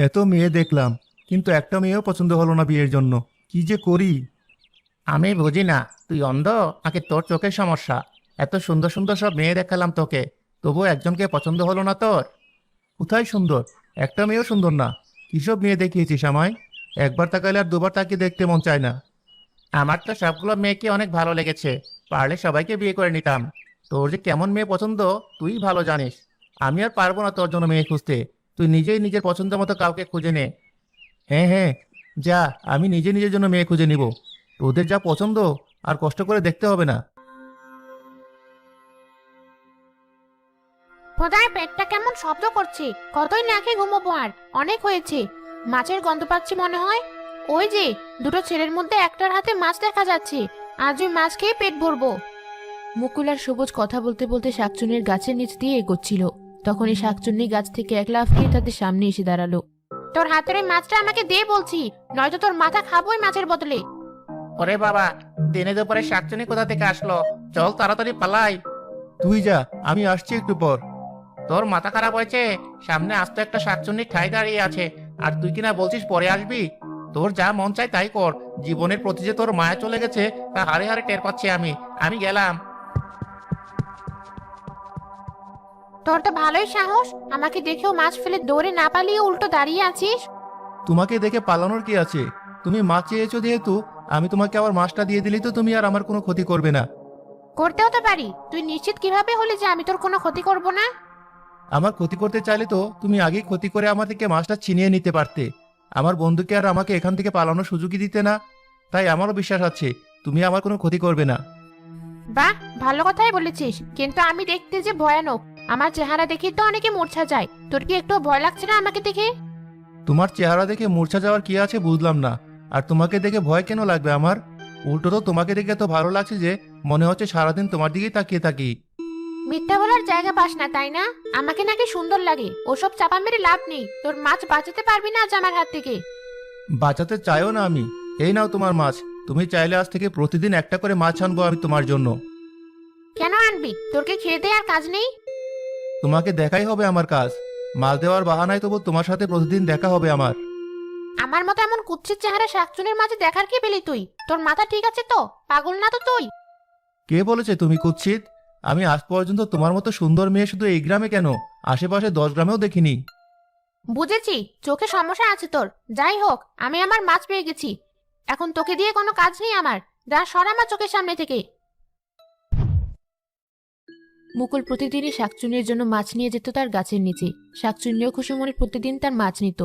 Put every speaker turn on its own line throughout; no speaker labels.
এত মেয়ে দেখলাম, কিন্তু একটা মেয়েও পছন্দ হলো না বিয়ের জন্য। কি যে করি।
আমি বুঝি না, তুই অন্ধ নাকি তোর চোখের সমস্যা? এত সুন্দর সুন্দর সব মেয়ে দেখালাম তোকে, তবু একজনকে পছন্দ হলো না তোর?
কোথায় সুন্দর? একটা মেয়েও সুন্দর না। কিসব মেয়ে দেখিয়েছিস আমায়? একবার তাকালে আর দুবার তাকিয়ে দেখতে মন চায় না।
আমার তো সবগুলো মেয়েকে অনেক ভালো লেগেছে, পারলে সবাইকে বিয়ে করে নিতাম। তোর যে কেমন মেয়ে পছন্দ তুই ভালো জানিস। আমি আর পারবো না তোর জন্য মেয়ে খুঁজতে। তুই নিজেই নিজের পছন্দ মতো কাউকে খুঁজে নে।
হ্যাঁ হ্যাঁ, যা, আমি নিজে নিজের জন্য মেয়ে খুঁজে নিব। তোদের যা পছন্দ আর কষ্ট করে দেখতে হবে না।
খোদার পেটটা কেমন শব্দ করছে, কতই না খেয়ে ঘুমোবো, আর অনেক হয়েছে। মাছের গন্ধ পাচ্ছি মনে হয়। ওই যে দুটো ছেলের মধ্যে একটার হাতে মাছ দেখা যাচ্ছে, আজ ওই মাছ খেয়ে পেট ভরবো। মুকুল আর সবুজ কথা বলতে বলতে শাকচুন্নির গাছের নিচ দিয়ে এগোচ্ছিল। তখনই শাকচুন্নি গাছ থেকে এক লাফ দিয়ে তাদের সামনে এসে দাঁড়ালো। তোর হাতের ওই মাছটা আমাকে দে বলছি, নয়তো তোর মাথা খাবোই মাছের বদলে।
ওরে বাবা, দিনে দুপুরে শাকচুনি কোথা থেকে আসলো? চল তাড়াতাড়ি পালাই।
তুই যা, আমি আসছি একটু পর।
তোর মাথা খারাপ হয়েছে? সামনে আস্ত একটা শাকচুন্নি ঠাই দাঁড়িয়ে আছে, আর তুই কিনা বলছিস পরে আসবি? তোর যা মন চাই তাই কর। জীবনের প্রতি যে তোর মায়া চলে গেছে তা হারে হারে টের পাচ্ছি আমি। আমি গেলাম।
তোর তো ভালোই সাহস, আমাকে দেখেও মাছ ফেলে দৌড়ে না পালিয়ে উল্টো দাঁড়িয়ে আছিস।
তোমাকে দেখে পালানোর কি আছে? তুমি মাছ চেয়েছো যেহেতু, আমি তোমাকে আবার মাছটা দিয়ে দিলি তো তুমি আর আমার কোনো ক্ষতি করবে না।
করতেও তো পারি, তুই নিশ্চিত কিভাবে হলি যে আমি তোর কোনো ক্ষতি করব না?
আমার ক্ষতি করতে চাইলে তো তুমি আগেই ক্ষতি করে আমার থেকে মাছটা ছিনিয়ে নিতে পারতে। আমার বন্ধুকে আর আমাকে এখান থেকে পালানোর সুযোগই দিতে না। তাই আমারও বিশ্বাস আছে তুমি আমার কোনো ক্ষতি করবে না।
বাহ, ভালো কথাই বলেছিস, কিন্তু আমি দেখতে যে ভয়ানক। আমার চেহারা দেখে তো অনেকে মূর্ছা যায়, তোর কি একটু ভয় লাগছে না আমাকে দেখে?
তোমার চেহারা দেখে মূর্ছা যাওয়ার কি আছে বুঝলাম না। আর তোমাকে দেখে ভয় কেন লাগবে আমার? উল্টো তো তোমাকে দেখে এত ভালো লাগছে যে মনে হচ্ছে সারাদিন তোমার দিকেই তাকিয়ে থাকি।
মিথ্যা বলার জায়গা পাস না তাই না? আমাকে নাকি সুন্দর লাগে, ওসব চাপা মেরে লাভ নেই। তোর মাছ বাঁচাতে পারবি না আজ আমার হাত থেকে।
বাঁচাতে চাইও না আমি। এই নাও তোমার মাছ। তুমি চাইলে আজ থেকে প্রতিদিন একটা করে মাছ আনবো আমি তোমার জন্য।
কেন আনবি? তোর কি খেয়ে দেয় আর কাজ নেই?
তোমাকে দেখাই হবে আমার কাজ। মাছ দেওয়ার বাহানায় তবু তোমার সাথে প্রতিদিন দেখা হবে আমার।
আমার মতো এমন কুৎসিত চেহারা শাকচুনের মাঝে দেখার কি পেলি তুই? তোর মাথা ঠিক আছে তো? পাগল না তো তুই?
কে বলেছে তুমি কুৎসিত? আমি আজ পর্যন্ত তোমার মতো সুন্দর মেয়ে শুধু এই গ্রামে কেন, আশেপাশে 10 গ্রামেও দেখিনি।
বুঝেছি, চোখে সমস্যা আছে তোর। যাই হোক, আমি আমার মাছ পেয়ে গেছি। এখন তোকে দিয়ে কোনো কাজ নেই আমার। যা, সর আমার চোখের সামনে থেকে। মুকুল প্রতিদিনই শাকচুন্নির জন্য মাছ নিয়ে যেত তার গাছের নিচে। শাকচুন্নিও খুশি মনে প্রতিদিন তার মাছ নিত।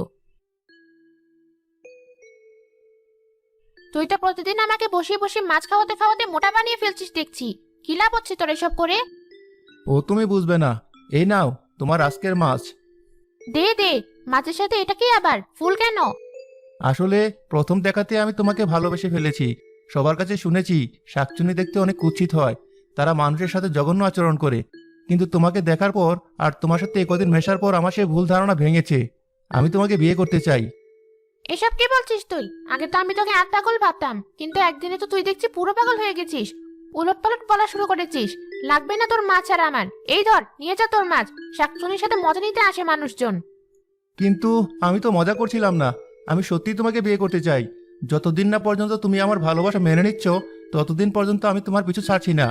তুই তো প্রতিদিন আমাকে বসিয়ে বসিয়ে মাছ খাওয়াতে খাওয়াতে মোটা বানিয়ে ফেলছিস দেখছি। কি লাভ হচ্ছে তোর এসব করে?
ও তুমি বুঝবে না। এই নাও তোমার আজকের মাছ।
দে দে, মাছের সাথে এটা কি আবার ফুল কেন?
আসলে প্রথম দেখাতে আমি তোমাকে ভালোবেসে ফেলেছি। সবার কাছে শুনেছি শাকচুন্নি দেখতে অনেক কুৎসিত হয়, তারা মানুষের সাথে জঘন্য আচরণ করে। কিন্তু তোমাকে দেখার পর আর তোমার সাথে একদিন মেশার পর আমার সেই ভুল ধারণা ভেঙেছে। আমি তোমাকে বিয়ে করতে চাই।
এসব কি বলছিস তুই? আগে তো আমি তোকে আধ পাগল ভাবতাম, কিন্তু একদিনে তো তুই দেখছি পুরো পাগল হয়ে গেছিস। উলট পালট বলা শুরু করেছিস। লাগবে না তোর মাছ আর আমার। এই ধর, নিয়ে যা তোর মাছ। শাকচুনির সাথে মজা নিতে আসে মানুষজন।
কিন্তু আমি তো মজা করছিলাম না। আমি সত্যিই তোমাকে বিয়ে করতে চাই। যতদিন না পর্যন্ত তুমি আমার ভালোবাসা মেনে নিচ্ছ, ততদিন পর্যন্ত আমি তোমার পিছু ছাড়ছি না।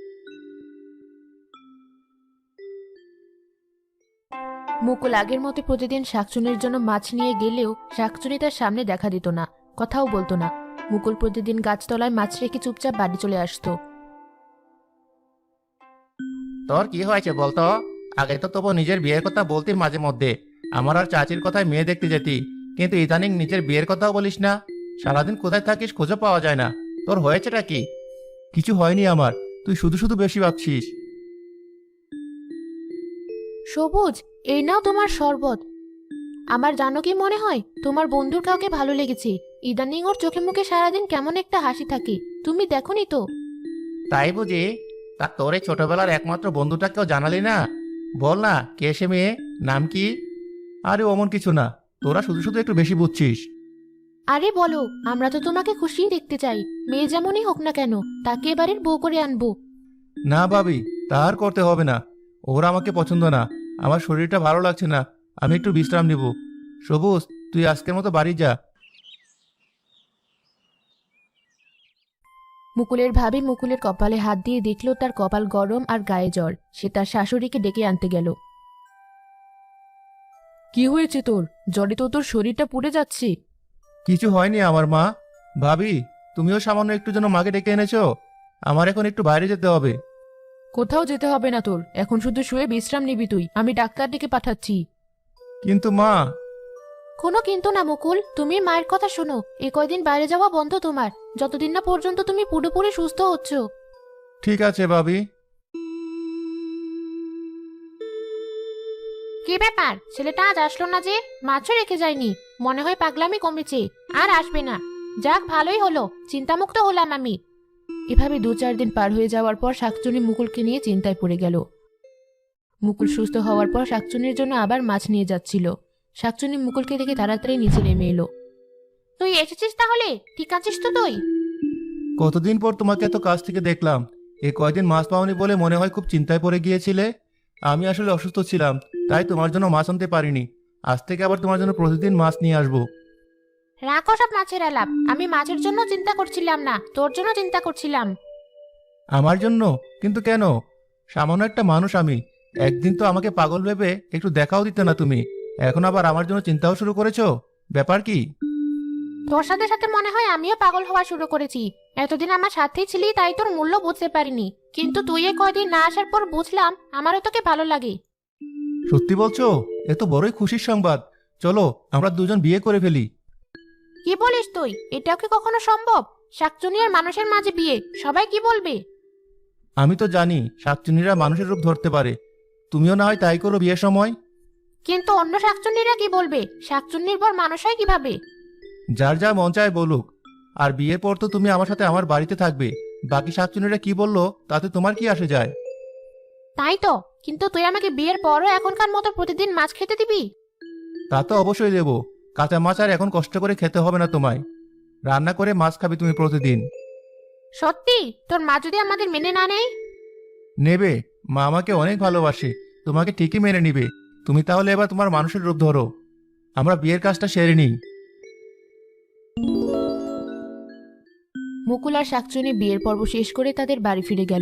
মুকুল আগের মতো প্রতিদিন শাকচুনির জন্য মাছ নিয়ে গেলেও শাকচুনি তার সামনে দেখা দিত না, কথাও বলতো না। মুকুল প্রতিদিন গাছতলায় মাছ রেখে চুপচাপ বাড়ি চলে আসতো।
তোর কি হয়েছে বলতো? আগে তো তবু নিজের বিয়ের কথা বলতি মাঝে মধ্যে, আমার আর চাচির কথায় মেয়ে দেখতে যেতি। কিন্তু ইদানিং নিজের বিয়ের কথাও বলিস না। সারাদিন কোথায় থাকিস খুঁজে পাওয়া যায় না। তোর হয়েছেটা কি?
কিছু হয়নি আমার। তুই শুধু শুধু বেশি ভাবছিস।
সবুজ, এই নাও তোমার শরবত। আমার জানো কি মনে হয়, তোমার বন্ধুর কাউকে ভালো লেগেছে। ইদানিং ওর চোখে মুখে সারাদিন কেমন একটা হাসি থাকে, তুমি দেখোনি তো?
তাই বুঝি? তা তোর এই ছোটবেলার একমাত্র বন্ধুটাকেও জানালি না? বল না, কে সে মেয়ে? নাম কি?
আরে অমন কিছু না। তোরা শুধু শুধু একটু বেশি বুঝছিস।
আরে বলো, আমরা তো তোমাকে খুশিই দেখতে চাই। মেয়ে যেমনই হোক না কেন, তাকে এবারের বউ করে আনবো।
না ভাবি, তা আর করতে হবে না। ওরা আমাকে পছন্দ না। আমার শরীরটা ভালো লাগছে না। আমি একটু বিশ্রাম নিব। সবুজ, তুই আজকের মতো বাড়ি যা।
মুকুলের ভাবি মুকুলের কপালে হাত দিয়ে দেখলো তার কপাল গরম আর গায়ে জ্বর। সে তার শাশুড়িকে ডেকে আনতে গেল। কি হয়েছে তোর? জ্বরে তো তোর শরীরটা পুড়ে যাচ্ছে।
কিছু হয়নি আমার মা। ভাবি, তুমিও সামান্য একটু জন্য মাকে ডেকে এনেছো? আমার এখন একটু বাইরে যেতে হবে।
কোথাও যেতে হবে না তোর, এখন শুধু শুয়ে বিশ্রাম নিবি তুই। আমি ডাক্তার ডেকে পাঠাচ্ছি।
কিন্তু মা।
কোনো কিন্তু না মুকুল, তুমি মায়ের কথা শোনো। এ কয়দিন বাইরে যাওয়া বন্ধ তোমার, যতদিন না পর্যন্ত তুমি পুরোপুরি সুস্থ হচ্ছ।
ঠিক আছে ভাবি।
কি ব্যাপার, ছেলেটা আজ আসলো না যে? মাছও রেখে যায়নি, মনে হয় পাগলামি কমেছে, আর আসবে না। যাক, ভালোই হলো, চিন্তামুক্ত হলাম আমি। এভাবে 2-4 দিন পার হয়ে যাওয়ার পর শাকচুনি মুকুলকে নিয়ে চিন্তায় পড়ে গেল। মুকুল সুস্থ হওয়ার পর শাকচুনির জন্য আবার মাছ নিয়ে যাচ্ছিল। শাকচুনি মুকুলকে দেখে তাড়াতাড়ি নিচে নেমে এলো। তুই এসেছিস তাহলে? ঠিক আছিস তো তুই?
কতদিন পর তোমাকে এত কাছ থেকে দেখলাম। এই কয়দিন মাছ পাওনি বলে মনে হয় খুব চিন্তায় পড়ে গিয়েছিলে। আমি আসলে অসুস্থ ছিলাম, তাই তোমার জন্য মাছ আনতে পারিনি। আজ থেকে আবার তোমার জন্য প্রতিদিন মাছ নিয়ে আসবো।
রাখো সব মাছের আলাপ। আমি মাছের জন্য চিন্তা করছিলাম না, তোর জন্য চিন্তা করছিলাম।
আমার জন্য? কিন্তু কেন? সামান্য একটা মানুষ আমি। একদিন তো আমাকে পাগল ভেবে একটু দেখাও দিতে না তুমি, এখন আবার আমার জন্য চিন্তাও শুরু করেছো? ব্যাপার কি?
তোর সাথে সাথে মনে হয় আমিও পাগল হওয়া শুরু করেছি। এতদিন আমার সাথেই ছিলি, তাই তোর মূল্য বুঝতে পারিনি। কিন্তু তুই এ কয়দিন না আসার পর বুঝলাম আমারও তোকে ভালো লাগে।
সত্যি বলছো? এ তো বড়ই খুশির সংবাদ। চলো আমরা দুজন বিয়ে করে ফেলি।
কি বলিস তুই? এটাও কি কখনো সম্ভব? শাকচুনি আর মানুষের মাঝে বিয়ে, সবাই কি বলবে?
আমি তো জানি শাকচুন্নিরা মানুষের রূপ ধরতে পারে। তুমিও না হয় তাই করো বিয়ের সময়।
কিন্তু অন্য শাকচুন্নিরা কি বলবে? শাকচুন্নির পর মানুষ হয় কিভাবে?
যার যা মন চায় বলুক। আর বিয়ের পর তো তুমি আমার সাথে আমার বাড়িতে থাকবে। বাকি শাকচুন্নিরা কি বললো তাতে তোমার কি আসে যায়?
তাই তো, কিন্তু তুই আমাকে বিয়ের পরও এখনকার মতো প্রতিদিন মাছ খেতে দিবি?
তা তো অবশ্যই দেবো। কাঁচা মাছ আর এখন কষ্ট করে খেতে হবে না তোমায়। রান্না করে মাছ খাবে তুমি প্রতিদিন।
সত্যি? তোর মা যদি আমাদের মেনে না নেয়?
নেবে। মা আমাকে অনেক ভালোবাসে, তোমাকে ঠিকই মেনে নিবে। তুমি তাহলে এবার তোমার মানুষের রূপ ধরো। আমরা বিয়ের কাজটা সেরে নিই।
মুকুল আর শাকচুনি বিয়ের পর্ব শেষ করে তাদের বাড়ি ফিরে গেল।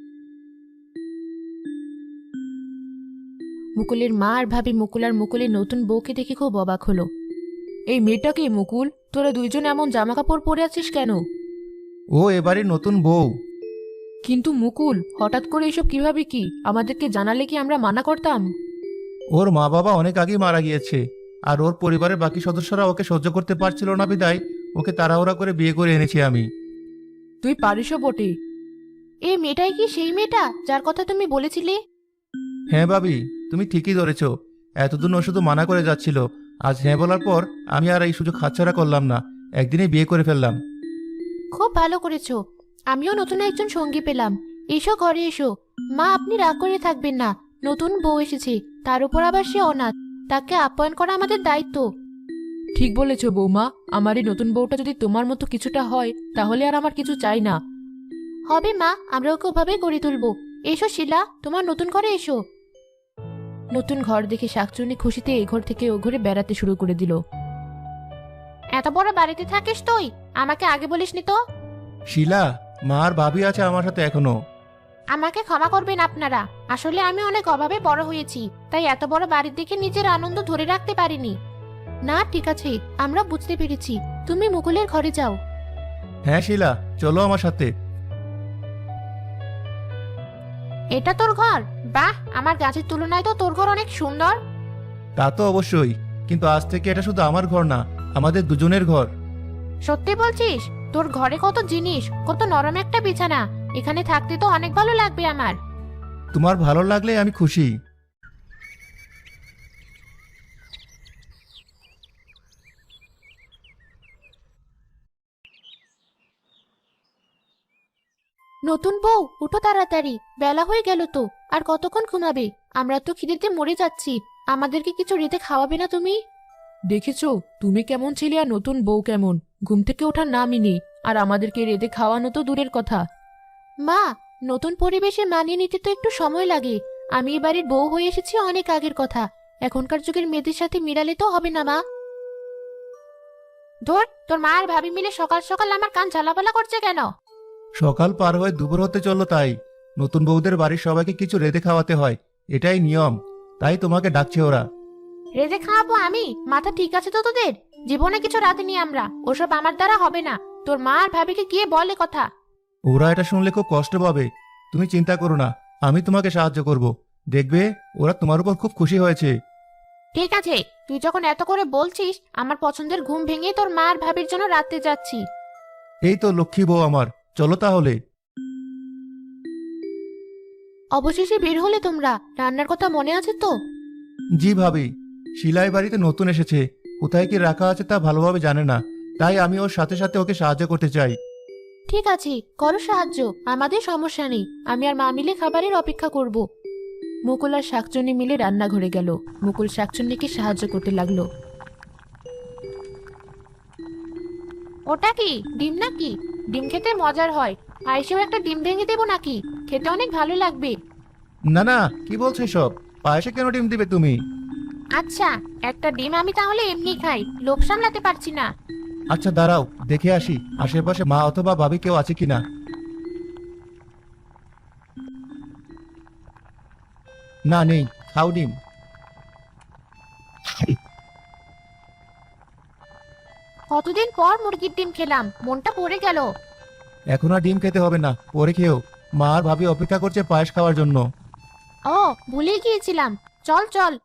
মুকুলের মা আর ভাবি মুকুল আর মুকুলের নতুন বউকে দেখে খুব অবাক হলো। এই মেয়েটাকে মুকুল, তোরা দুইজন এমন জামা কাপড় পরে আছিস কেন?
ও এবারে নতুন বউ।
কিন্তু মুকুল, হঠাৎ করে এসব কিভাবে? কি আমাদেরকে জানালে কি আমরা মানা করতাম?
ওর মা বাবা অনেক আগেই মারা গিয়েছে, আর ওর পরিবারের বাকি সদস্যরা ওকে সহ্য করতে পারছিল না বিদায় ওকে তাড়াহুড়া করে বিয়ে করে এনেছি আমি।
তুই পারিসও বটে। এই মেয়েটাই কি সেই মেয়েটা যার কথা তুমি বলেছিলে?
হ্যাঁ ভাবি, তুমি ঠিকই ধরেছ। এতদিন ও শুধু মানা করে যাচ্ছিল, আজ হ্যাঁ বলার পর আমি আর এই সুযোগ হাতছাড়া করলাম না, একদিনে বিয়ে করে ফেললাম।
খুব ভালো করেছো। আমিও নতুন একজন সঙ্গী পেলাম। এসো ঘরে এসো। মা, আপনি রাগ করে থাকবেন না। নতুন বউ এসেছে, তার উপর আবার সে অনাথ। তাকে আপ্যায়ন করা আমাদের দায়িত্ব। ঠিক বলেছো বৌমা। আমার এই নতুন বউটা যদি তোমার মতো কিছুটা হয়, তাহলে আর আমার কিছু চাই না। হবে মা, আমরা ওকে ওভাবেই গড়ে তুলবো। এসো শিলা, তোমার নতুন ঘরে এসো। নতুন ঘর দেখে শাকচুনি খুশিতে এই ঘর থেকে ও ঘরে বেড়াতে শুরু করে দিল। এত বড় বাড়িতে থাকিস তুই? আমাকে আগে বলিসনি তো।
শিলা, মা আর ভাবি আছে আমার সাথে এখনো।
আমাকে ক্ষমা করবেন আপনারা। আসলে আমি অনেক অভাবে বড় হয়েছি, তাই এত বড় বাড়ির দিকে নিজের আনন্দ ধরে রাখতে পারিনি। না, ঠিক আছে, আমরা বুঝতে পেরেছি। তুমি মুকুলের ঘরে যাও।
হ্যাঁ শিলা, চলো আমার সাথে।
এটা তোর ঘর? বাহ, আমার গাছের তুলনায় তো তোর ঘর অনেক সুন্দর।
তা তো অবশ্যই, কিন্তু আজ থেকে এটা শুধু আমার ঘর না, আমাদের দুজনের ঘর।
সত্যি বলছিস? তোর ঘরে কত জিনিস, কত নরম একটা বিছানা। এখানে থাকতে তো অনেক ভালো লাগবে আমার।
তোমার ভালো লাগলে আমি খুশি।
নতুন বউ, উঠো তাড়াতাড়ি, বেলা হয়ে গেল তো। আর কতক্ষণ ঘুমাবে? আমরা তো খিদেতে মরে যাচ্ছি। আমাদেরকে কিছু রেতে খাওয়াবে না তুমি? দেখেছো তুমি কেমন ছিলে আর নতুন বউ কেমন। ঘুম থেকে ওঠার নামই নেই, আর আমাদেরকে রেতে খাওয়ানো তো দূরের কথা। মা, নতুন পরিবেশে মানিয়ে নিতে তো একটু সময় লাগে। আমি এ বাড়ির বউ হয়ে এসেছি অনেক আগের কথা। এখনকার যুগের মেয়েদের সাথে মিলালে তো হবে না মা। ধর, তোর মা আর ভাবি মিলে সকাল সকাল আমার কান ঝালাপালা করছে কেন?
সকাল পার হয়ে দুপুর হতে চললো তাই। নতুন বউদের বাড়ির সবাইকে কিছু রেঁধে খাওয়াতে হয়, এটাই নিয়ম, তাই তোমাকে ডাকছে ওরা।
রেঁধে খাওয়াবো আমি? মাথা ঠিক আছে তো তোদের? জীবনে কিছু রাঁধেনি আমরা, ওসব আমার দ্বারা হবে না। তোর মা আর ভাবিকে গিয়ে বলে কথা।
ওরা এটা শুনলে খুব কষ্ট পাবে। তুমি চিন্তা করো না, আমি তোমাকে সাহায্য করব। দেখবে ওরা তোমার উপর খুব খুশি হয়েছে।
ঠিক আছে, তুই যখন এত করে বলছিস, আমার পছন্দের ঘুম ভেঙে তোর মা আর ভাবির জন্য রাতে যাচ্ছি।
এই তো লক্ষ্মী বউ আমার, চলো তাহলে।
অবশেষে বের হলে তোমরা। রান্নার কথা মনে আছে তো?
জি ভাবি, শিলাই বাড়িতে নতুন এসেছে, কোথায় কি রাখা আছে তা ভালোভাবে জানে না, তাই আমি ওর সাথে সাথে ওকে সাহায্য করতে চাই।
ঠিক আছে, করো সাহায্য, আমাদের সমস্যা নেই। আমি আর মা মিলে খাবারের অপেক্ষা করব। মুকুল আর শাকচুন্নি মিলে রান্নাঘরে গেল। মুকুল শাকচুন্নিকে সাহায্য করতে লাগলো। ওটা কি ডিম নাকি? ডিম খেতে মজার হয়। আইসেও একটা ডিম ভেঙে দেবো নাকি? খেতে অনেক ভালো লাগবে।
না না, কি বলছো সব? পায়েসে কেন ডিম দিবে তুমি?
আচ্ছা, একটা ডিম আমি তাহলে এমনি খাই, লোভ সামলাতে পারছি না।
আচ্ছা দাঁড়াও, দেখে আসি আশেপাশে মা অথবা ভাবি কেউ আছে কিনা। না নেই, খাও ডিম।
কতদিন পর মুরগির ডিম খেলাম, মনটা পড়ে গেল।
এখন আর ডিম খেতে হবে না, পরে খেও। মা আর ভাবি অপেক্ষা করছে পায়েস খাওয়ার জন্য।
ও, ভুলে গিয়েছিলাম। চল চল।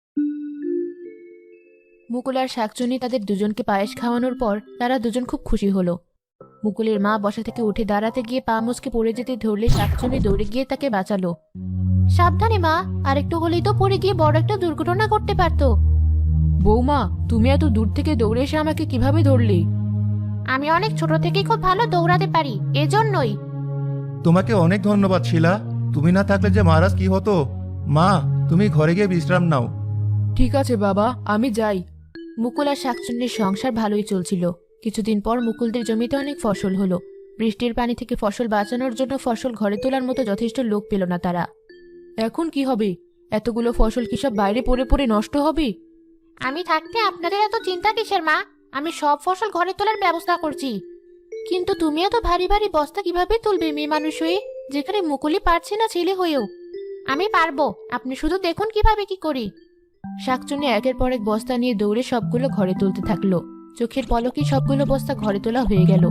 মুকুল আর শাকচুন্নি তাদের দুজনকে পায়েস খাওয়ানোর পর তারা দুজন খুব খুশি হলো। মুকুলের মা বসা থেকে উঠে দাঁড়াতে গিয়ে পা মুচকে পড়ে যেতে ধরলে শাকচুন্নি দৌড়ে গিয়ে তাকে বাঁচালো। সাবধানে মা, আর একটু হলেই তো পড়ে গিয়ে বড় একটা দুর্ঘটনা করতে পারতো। বৌমা, তুমি এত দূর থেকে দৌড়ে এসে আমাকে কিভাবে ধরলে? আমি অনেক ছোট থেকেই খুব ভালো দৌড়াতে পারি, এজন্যই।
তোমাকে অনেক ধন্যবাদ শিলা, তুমি না থাকলে যে মহারাজ কি হতো। মা, তুমি ঘরে গিয়ে বিশ্রাম নাও।
ঠিক আছে বাবা, আমি যাই। মুকুল আর শাকচুন্নির সংসার ভালোই চলছিল। কিছুদিন পর মুকুলদের জমিতে অনেক ফসল হলো। বৃষ্টির পানি থেকে ফসল বাঁচানোর জন্য ফসল ঘরে তোলার মতো যথেষ্ট লোক পেল না তারা। এখন কি হবে? এতগুলো ফসল কি সব বাইরে পড়ে পড়ে নষ্ট হবে? আমি থাকতে আপনাদের এত চিন্তা কিসের মা? আমি সব ফসল ঘরে তোলার ব্যবস্থা করছি। কিন্তু তুমি এত ভারী ভারী বস্তা কিভাবে তুলবে মেয়ে মানুষ হয়ে, যেখানে মুকুলই পারছে না ছেলে হয়েও? আমি পারবো, আপনি শুধু দেখুন কিভাবে কি করি। শাকচুন্নি একের পর এক বস্তা নিয়ে দৌড়ে সবগুলো ঘরে তুলতে থাকলো। চোখের পলকেই সবগুলো বস্তা ঘরে তোলা হয়ে গেল।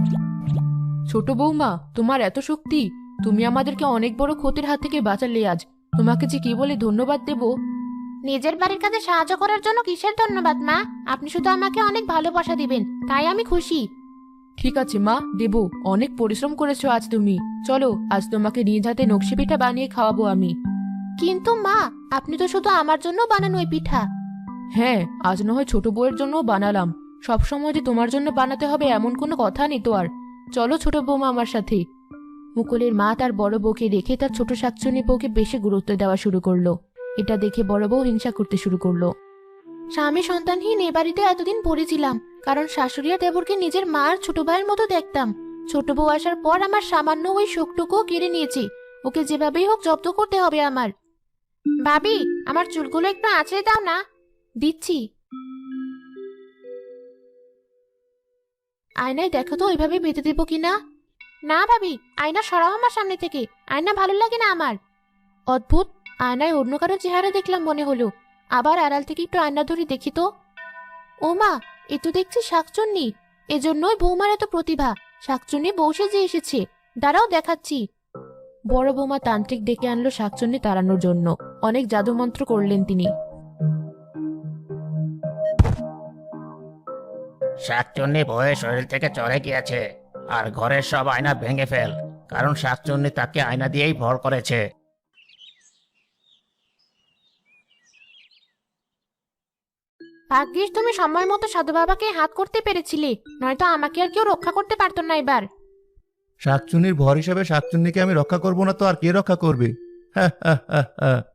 ছোট বৌমা, তোমার এত শক্তি! তুমি আমাদেরকে অনেক বড় ক্ষতির হাত থেকে বাঁচালে আজ। তোমাকে যে কি বলে ধন্যবাদ দেব। নিজের বাড়ির কাজে সাহায্য করার জন্য কিসের ধন্যবাদ মা? আপনি শুধু আমাকে অনেক ভালোবাসা দিবেন, তাই আমি খুশি। ঠিক আছে মা, দেব। অনেক পরিশ্রম করেছো আজ তুমি। চলো, আজ তোমাকে নিজ হাতে নকশি পিঠা বানিয়ে খাওয়াবো আমি। কিন্তু মা, আপনি তো শুধু আমার জন্য বানানো ওই পিঠা। হ্যাঁ, আজ না হয় ছোট বউয়ের জন্য বানালাম। সবসময় যে তোমার জন্য বানাতে হবে এমন কোনো কথা নেই তো আর। চলো ছোট বৌমা আমার সাথে। মুকুলের মা তার বড় বউকে রেখে তার ছোট শাকচুন্নি বউকে বেশি গুরুত্ব দেওয়া শুরু করলো। এটা দেখে বড় বউ হিংসা করতে শুরু করলো। স্বামী সন্তানহীন এ বাড়িতে এতদিন পড়েছিলাম, কারণ শাশুড়ি আর দেবরকে নিজের মা আর ছোট ভাইয়ের মতো দেখতাম। ছোট বউ আসার পর আমার সামান্য ওই শোকটুকুও কেড়ে নিয়েছি। ওকে যেভাবেই হোক জব্দ করতে হবে আমার। ভাবি, আমার চুলগুলো একটু আঁচড়ে দাও না। দিচ্ছি। আয়নায় দেখো তো ওইভাবে বেঁধে দেবো কিনা। না ভাবি, আয়না সরাও আমার সামনে থেকে। আয়না ভালো লাগে না আমার। অদ্ভুত, আয়নায় অন্য কারো চেহারা দেখলাম মনে হলো। আবার আড়াল থেকে একটু আয়না ধরে দেখি তো। ও মা, এ তো দেখছি শাকচুন্নি। এজন্যই বৌমার এত প্রতিভা। শাকচুন্নি বউ সেজে এসেছে। দাঁড়াও দেখাচ্ছি। বড় বৌমা তান্ত্রিক ডেকে আনলো শাকচুন্নি তাড়ানোর জন্য। অনেক জাদুমন্ত্র করলেন তিনি।
শাকচুন্নি ভয়ে শরীর থেকে চড়ে গিয়েছে। আর ঘরের সব আয়না ভেঙে ফেল, কারণ শাকচুন্নি তাকে আয়না দিয়েই ভর করেছে।
ভাগ্যিস তুমি সময় মতো সাধু বাবাকে হাত করতে পেরেছিলে, নয়তো আমাকে আর কেউ রক্ষা করতে পারতো না এবার।
শাকচুন্নির ভর হিসাবে শাকচুন্নিকে আমি রক্ষা করবো না তো আর কে রক্ষা করবে? হ্যাঁ হ্যাঁ হ্যাঁ হ্যাঁ।